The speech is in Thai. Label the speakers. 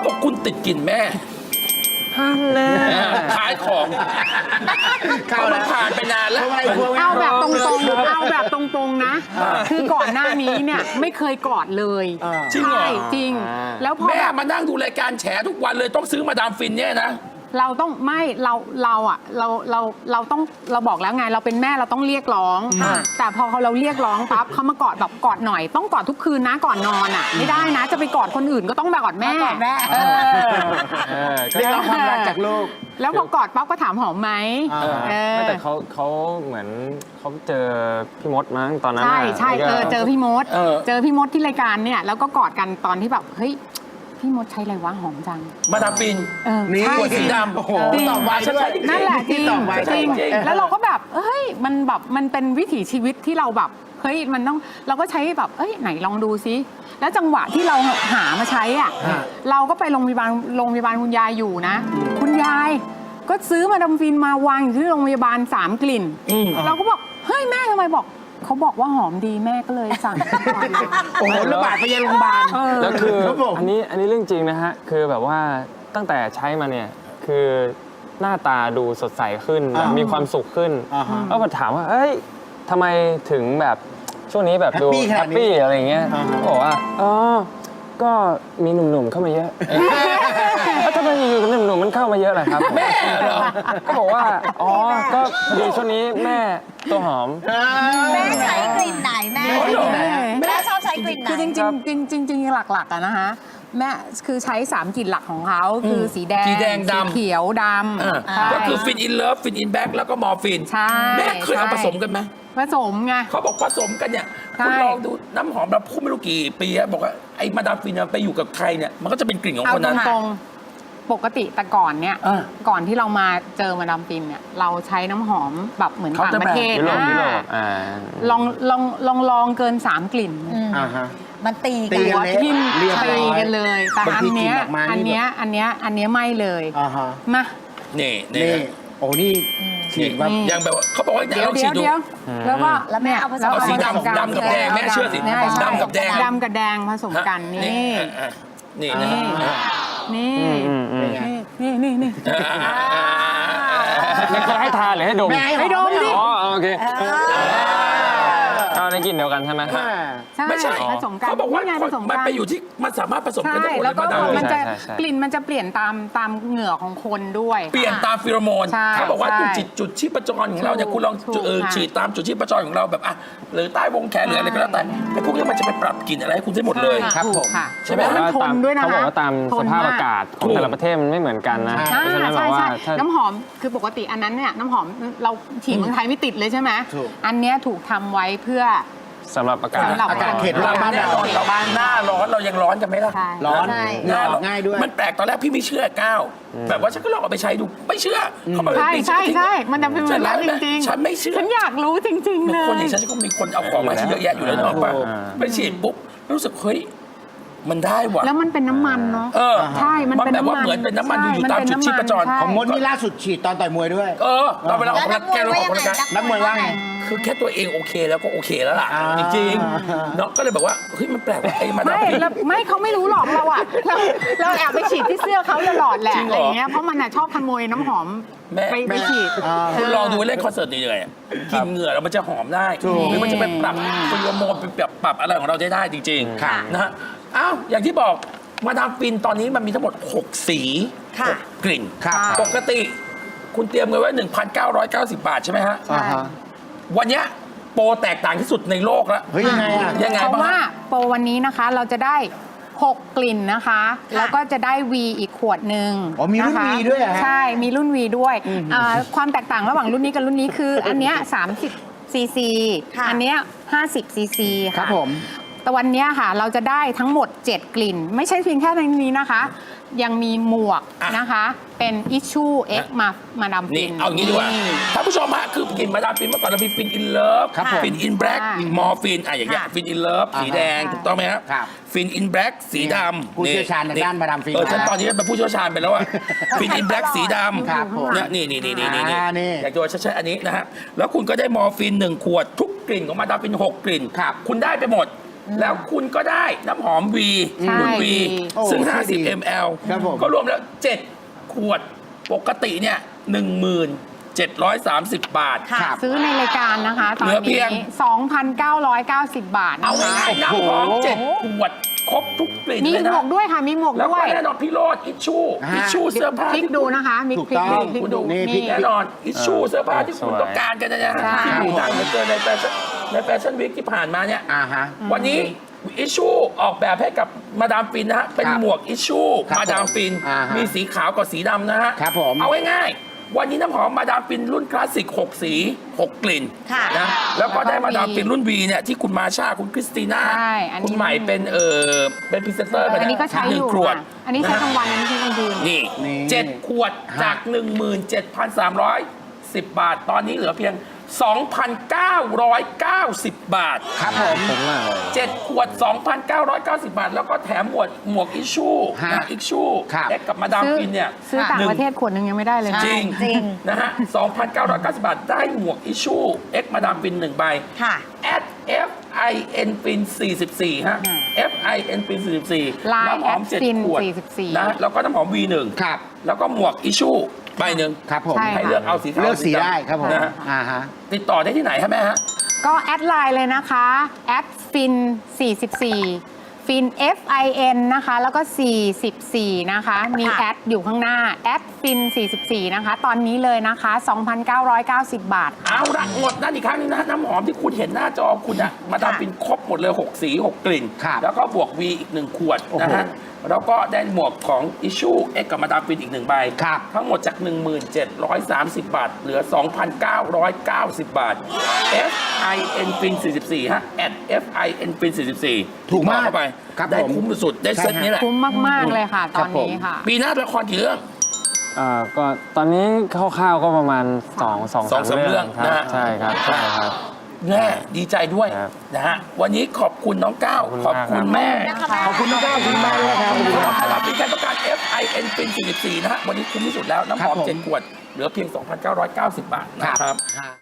Speaker 1: บอกคุณติดกลิ่นแม่
Speaker 2: ฮันแน่
Speaker 1: ขายของเขามาผ่านไปนานแล้ว
Speaker 3: เอาแบบตรงๆเอาแบบตรงๆนะคือก่อนหน้านี้เนี่ยไม่เคยกอดเลย
Speaker 1: จริงเหรอ
Speaker 3: จริงแล้วพอ
Speaker 1: แม่มานั่งดูรายการแฉทุกวันเลยต้องซื้อมาดามฟินเนี่ยนะ
Speaker 3: เราต้องไม่เราต้องเราบอกแล้วไงเราเป็นแม่เราต้องเรียกร้องแต่พอเราเรียกร้องปั๊บเขามากอดแบบกอดหน่อยต้องกอดทุกคืนนะก่อนนอนอ่ะไม่ได้นะจะไปกอดคนอื่นก็ต้องแบบกอดแม่
Speaker 2: เรียกร้องความรักจากลูก
Speaker 3: แล้วพอกอดปั๊บก็ถามหอมไหม
Speaker 4: ไม่แต่เขาเหมือนเขาเจอพี่มดมั้งตอนนั้น
Speaker 3: ใช่เจอพี่มดที่รายการเนี่ยแล้วก็กอดกันตอนที่แบบเฮ้ยพี่มดใช้อะไรวะหอมจัง
Speaker 1: มาดามฟิน
Speaker 2: นี่
Speaker 1: ขวดสีดำ
Speaker 2: โอ้โหตอบไวด้วย
Speaker 3: นั่นแหละจริงแล้วเราก็แบบเฮ้ยมันแบบมันเป็นวิถีชีวิตที่เราแบบเฮ้ยมันต้องเราก็ใช้แบบเอ้ยไหนลองดูซิแล้วจังหวะที่เราหามาใช้อ่ะเราก็ไปโรงพยาบาลคุณยายอยู่นะคุณยายก็ซื้อมาดามฟินมาวางอยู่ที่โรงพยาบาล3 กลิ่นเราก็บอกเฮ้ยแม่ทำไมบอกเขาบอกว่าหอมดีแม่ก็เลยสั่ง
Speaker 2: โอ้โหระบาดไปยังโรงพยาบาล
Speaker 4: แล้วคืออันนี้เรื่องจริงนะฮะคือแบบว่าตั้งแต่ใช้มาเนี่ยคือหน้าตาดูสดใสขึ้นมีความสุขขึ้นแล้วพอถามว่าเอ้ยทำไมถึงแบบช่วงนี้แบบดูแฮปปี้อะไรเงี้ยบอกว่าก็มีหนุ่มๆเข้ามาเยอะแล้วทำไมอยู่ๆหนุ่มๆมันเข้ามาเยอะล่ะครับ
Speaker 1: แม่เหรอ
Speaker 4: ก็บอกว่าก็ดีช่วงนี้แม่ตัวหอม
Speaker 5: แม่ใช้กลิ่นไหนแม่แม่ชอบใช้กลิ่นไหน
Speaker 3: คือจริงหลักๆอะนะคะแม่คือใช้3 กลิ่นหลักของเขาคือสีแดงสีเขียวดำ
Speaker 1: ก็คือฟินอินเลิฟฟินอินแบ็กแล้วก็มอร์ฟินแม่เคยเอาผสมกันไหม
Speaker 3: ผสมไง
Speaker 1: เขาบอกผสมกันเนี่ยคุณลองดูน้ำหอมเราพูดไม่รู้กี่ปีบอกว่าไอ้มาดามฟินไปอยู่กับใครเนี่ยมันก็จะเป็นกลิ่นของคนนั้น
Speaker 3: ตรงปกติแต่ก่อนเนี่ยก่อนที่เรามาเจอมาดามฟินเนี่ยเราใช้น้ำหอมแบบเหมือนต่างประเทศนะลองเกิน3 กลิ่น
Speaker 5: มันตี
Speaker 3: กันทิ่มตีกันเลยแต่อันเนี้ยไม่เลยมา
Speaker 1: นี่
Speaker 2: โอ้นี่ฉีดว่า
Speaker 1: ยังแบบเขาบอกว่าเดี๋ยวฉีดดู
Speaker 3: แล้วก็
Speaker 5: แม่เอาผสม
Speaker 1: สีดำกับแดงแม่เชื่อสิดำกับแ
Speaker 3: ดงผสมกันนี่
Speaker 4: จะให้ทานหรือให้ดม
Speaker 3: ให้ดมดิ
Speaker 4: โอเคในกลิ่นเดียวกันใช่ไหม
Speaker 1: ไม่ใช่
Speaker 3: ผสมกัน
Speaker 1: เขาบอกว่ามันไปอยู่ที่มันสามารถผสมกันได้หมด
Speaker 3: แล้วก็มันจะกลิ่นมันจะเปลี่ยนตามเหงื่อของคนด้วย
Speaker 1: เปลี่ยนตามฟีโรโมนเขาบอกว่าจุดชีพจรของเราเนี่ยคุณลองฉีดตามจุดชีพจรของเราแบบหรือใต้วงแขนหรืออะไรก็แล้วแต่ไอ้พวกนี้มันจะไปปรับกลิ่นอะไรให้คุณได้หมดเลย
Speaker 2: ครับผม
Speaker 1: ใช่ไหม
Speaker 3: มันทนด้วยนะ
Speaker 4: เขาบอกว่าตามสภาพอากาศของแต่ละประเทศมันไม่เหมือนกันนะ
Speaker 3: ใช่น้ำหอมคือปกติอันนั้นเนี่ยน้ำหอมเราฉีดเมืองไทยไม่ติดเลยใช่ไหมอันนี้ถูกทำไว้เพื่อ
Speaker 4: สำหรับอากาศ
Speaker 2: เขตร้อน
Speaker 1: เราบ้านหน้าร้อนเรายังร้อนกันไหมล่ะ
Speaker 2: ร้อนง่ายด้วย
Speaker 1: มันแปลกตอนแรกพี่ไม่เชื่อก้าวแบบว่าฉันก็ลองเอาไปใช้ดูไม่เชื่อเขาบอก
Speaker 3: ใช่มันจะเป็นแบบนั้นจริง
Speaker 1: ๆฉันไม่เชื่อ
Speaker 3: ฉันอยากรู้จริงๆเลย
Speaker 1: คนอย่างฉันก็มีคนเอาของมาที่เยอะแยะอยู่แล้วเนาะป่ะไปฉีดปุ๊บรู้สึกเฮ้ยมันได้ว่ะ
Speaker 3: แล้วมันเป็นน้ำมันเนาะใช่มันเป็น
Speaker 1: แบบว่าเหมือนเป็นน้ำมันอยู่ตามจุดชีพจร
Speaker 2: ของมดนี่ล่าสุดฉีดตอนต่อยมวยด้วย
Speaker 1: ตอนเวลาออกกำลังกาย
Speaker 2: นักมวยว่าไง
Speaker 1: คือแค่ตัวเองโอเคแล้วก็โอเคแล้วล่ะจริงๆเนาะก็เลยแบบว่าเฮ้ยมันแปลกว่าไอ้มาดามฟิน
Speaker 3: ไม่เขาไม่รู้หรอกเราอะเราแอบไปฉีดที่เสื้อเขาตลอดแหละอะไรเงี้ยเพราะมันชอบขโมยน้ำหอมไปฉีด
Speaker 1: คุณลองดูเล่นคอนเสิร์ตนี่เลยกินเหงื่อแล้วมันจะหอมได้หรือมันจะไปปรับฟีโรโมนไปปรับอะไรของเราได้จริงๆนะฮะอ้าวอย่างที่บอกมาดามฟินตอนนี้มันมีทั้งหมด6 สี6 กลิ่นปกติคุณเตรียมเงินไว้ 1,990 บาทใช่ไหมฮะวันนี้โปรแตกต่างที่สุดในโลกแล้ว
Speaker 2: ยังไง
Speaker 3: เพราะว่าโปรวันนี้นะคะเราจะได้6 กลิ่นนะคะแล้วก็จะได้วีอีกขวดหนึ่ง
Speaker 2: มีรุ่นวีด้วย
Speaker 3: ใช่มีรุ่นวีด้วยความแตกต่างระหว่างรุ่นนี้กับรุ่นนี้คืออันเนี้ย30 ซีซีอันเนี้ย50 ซีซี
Speaker 2: ครับผม
Speaker 3: แต่วันนี้ค่ะเราจะได้ทั้งหมด7 กลิ่นไม่ใช่เพียงแค่ในนี้นะคะยังมีหมวกนะคะเป็นอิชชูเอ็กมาดามฟิน
Speaker 1: เอางี้ดีกว่าท่านผู้ชมฮะคือกลิ่นมาดามฟินเมื่อก่อนเรามีฟินอินเลิฟฟินอินแบล็กมอร์ฟินอย่างเงี้ยฟินอินเลิฟสีแดงถูกต้องไหมครับฟินอินแบล็กสีดำ
Speaker 2: ผู้เชี่ยวชาญในด้านมาดามฟิน
Speaker 1: ฉันตอนนี้เป็นผู้เชี่ยวชาญไปแล้วอะฟินอินแบล็กสีดำนี่อยากจะใช้อันนี้นะฮะแล้วคุณก็ได้มอร์ฟิน1 ขวดทุกกลิ่นของมาดามฟิน6 กลิ่นคุณได้ไปหมดแล้วคุณก็ได้น้ำหอมวี
Speaker 3: ใช่
Speaker 1: คุณวี
Speaker 2: โอ้
Speaker 1: ซึ่ง
Speaker 2: ดี
Speaker 1: 50 ml
Speaker 2: ครับผม
Speaker 1: ก็รวมแล้ว 7 ขวดปกติเนี่ย 1730 บาท
Speaker 5: ค่ะ
Speaker 3: ซื้อในรายการนะคะตอน
Speaker 1: เหลือเพี
Speaker 3: นี้
Speaker 1: ยง
Speaker 3: 2,990 บาท
Speaker 1: เอา
Speaker 3: นะคะ
Speaker 1: ง่ายๆน้ำหอม 7 ขวด ครบทุกกลิ่น
Speaker 3: มี
Speaker 1: เลย
Speaker 3: หม
Speaker 1: นะ
Speaker 3: วกด้วยค่ะ มีหมวก
Speaker 1: แล้ว
Speaker 3: ด้ว
Speaker 1: ก็
Speaker 3: ย
Speaker 1: แน่นอนพี่โรดอิชชู
Speaker 2: ฮะ
Speaker 1: อิชชูเสื้อผ้า
Speaker 3: พลิกดูนะคะ มี
Speaker 2: ถูก
Speaker 3: พลิก
Speaker 2: ต้อง
Speaker 3: ดูพลิกดู
Speaker 2: นี่พลิก
Speaker 1: แน่นอนอิชชูเสื้อผ้าที่คุณ
Speaker 4: สวย
Speaker 1: ต้องการกันนะฮะ
Speaker 3: ใช่
Speaker 1: ที่อยู่ดังเหลือเกินในแฟชั่นวีคที่ผ่านมาเนี่ย
Speaker 2: ฮะ
Speaker 1: วันนี้อิชชูออกแบบให้กับมาดามฟินนะฮะ เป็น
Speaker 2: ครับ
Speaker 1: หมวกอิชชู
Speaker 2: ครับ
Speaker 1: มาดามฟิน
Speaker 2: อ่าฮะ
Speaker 1: มีสีขาวกับสีดำนะฮะ
Speaker 2: ครับผม
Speaker 1: เอาง่ายๆวันนี้น้ำหอมมาดามฟินรุ่นคลาสสิก 6 สี 6 กลิ่น
Speaker 5: ค่ะ
Speaker 1: นะแล้วก็ได้
Speaker 3: แล้วก็
Speaker 1: มาดาม
Speaker 3: มี
Speaker 1: ฟินรุ่น V เนี่ยที่คุณมาชาคุณคริสติน่า
Speaker 3: ใช่อันนี้
Speaker 1: คุณใหม่เป็นเป็นพรีเซนเตอร์
Speaker 3: อันนี้ก็ใช้อยู่
Speaker 1: 1 ขวด
Speaker 3: ค่ะอันนี้ใช้กลางวันอันนี้ใช้กลางคืน
Speaker 1: นี่
Speaker 2: นี่
Speaker 1: 7 ขวดจาก 17,310 บาท ตอนนี้เหลือเพียง 2,990 บาท
Speaker 2: ครับผม
Speaker 4: ผมมากเลย
Speaker 1: 7 ขวด 2,990 บาท แล้วก็แถมหมวกอิชชู
Speaker 2: ฮะ
Speaker 1: นะอิชชู
Speaker 2: ครับ
Speaker 1: เอ็กกับมาดามฟินเนี่ย
Speaker 3: ซื้อต่างประเทศขวดหนึงยังไม่ได้เลยนะ
Speaker 1: จริง
Speaker 5: จริง
Speaker 1: นะฮะ 2,990 บาท ได้หมวกอิชชูเอ็กมาดามฟิน1 ใบ
Speaker 5: ค่ะ
Speaker 1: at FIN Fin 44 ฮะ FIN Fin 44
Speaker 3: Line
Speaker 1: น้ำหอม
Speaker 3: at Fin
Speaker 1: 7 ขวด
Speaker 3: 44
Speaker 1: นะแล้วก็น้ำหอม V1
Speaker 2: ครับ
Speaker 1: แล้วก็หมวกอิชชูใบหนึ่ง
Speaker 2: ครับผม
Speaker 3: ใช่
Speaker 1: ให้เลือกเอาสีขาว
Speaker 2: เลือกสี
Speaker 1: ดำ
Speaker 2: ได้ครับผม
Speaker 1: นะฮะ
Speaker 2: ฮะ
Speaker 1: ติดต่อได้ที่ไหนฮะแม่ฮะ
Speaker 3: ก็แอดไลน์เลยนะคะแอดฟิน44ฟิน FIN นะคะ แล้วก็ 44 นะคะ มี
Speaker 5: ค่ะ
Speaker 3: แอดอยู่ข้างหน้าแอดฟิน44 นะคะ ตอนนี้เลยนะคะ 2,990 บาท
Speaker 1: เอาละหมดนั่นอีกครั้งหนึงนะน้ำหอมที่คุณเห็นหน้าจอคุณอะมาดามฟินครบหมดเลย 6 สี 6 กลิ่น
Speaker 2: ครับ
Speaker 1: แล้วก็บวก V อีก 1 ขวด
Speaker 2: โอ้โห
Speaker 1: นะฮะแล้วก็ได้หมวกของ Issue X กับมาดามฟินอีก 1 ใบ
Speaker 2: ครับ
Speaker 1: ทั้งหมดจาก 1730 บาท เหลือ 2,990 บาท FIN Fin 44 ฮะ FIN Fin 44
Speaker 2: ถูกมาก
Speaker 1: เข้าไป
Speaker 2: ครับ
Speaker 1: ได้
Speaker 2: ผม
Speaker 1: คุ้มสุดๆได้เซ็ตนี้แหละ
Speaker 3: คุ้มมาก ๆ เลยค่ะ ตอนนี้ค่ะ
Speaker 1: ปีหน้าละครกี่เรื่อง
Speaker 4: ก็ตอนนี้คร่าวๆก็ประมาณ2-3
Speaker 1: สองสามเรื่อง
Speaker 4: ครับ
Speaker 1: นะฮะ
Speaker 4: ใช่ครับใช่ครับ
Speaker 1: แน่ดีใจด้วย
Speaker 4: ครับ
Speaker 1: นะฮะวันนี้ขอบคุณน้องก้าวข
Speaker 4: ข
Speaker 1: อ
Speaker 4: อ
Speaker 1: บบ
Speaker 4: คุ
Speaker 1: คุณ
Speaker 4: ณ
Speaker 1: แม่
Speaker 5: นะคะ
Speaker 2: ขอบคุณน้องก้าวขอบคุณมากเลยครับ
Speaker 1: สำหรับมาดามฟินการต้องการ FIN Fin 44 นะฮะวันนี้คุ้มที่สุดแล้วน้ำหอม
Speaker 2: ครับผม
Speaker 1: 7 ขวด เหลือเพียง 2,990 บาทนะครับ
Speaker 2: ฮะ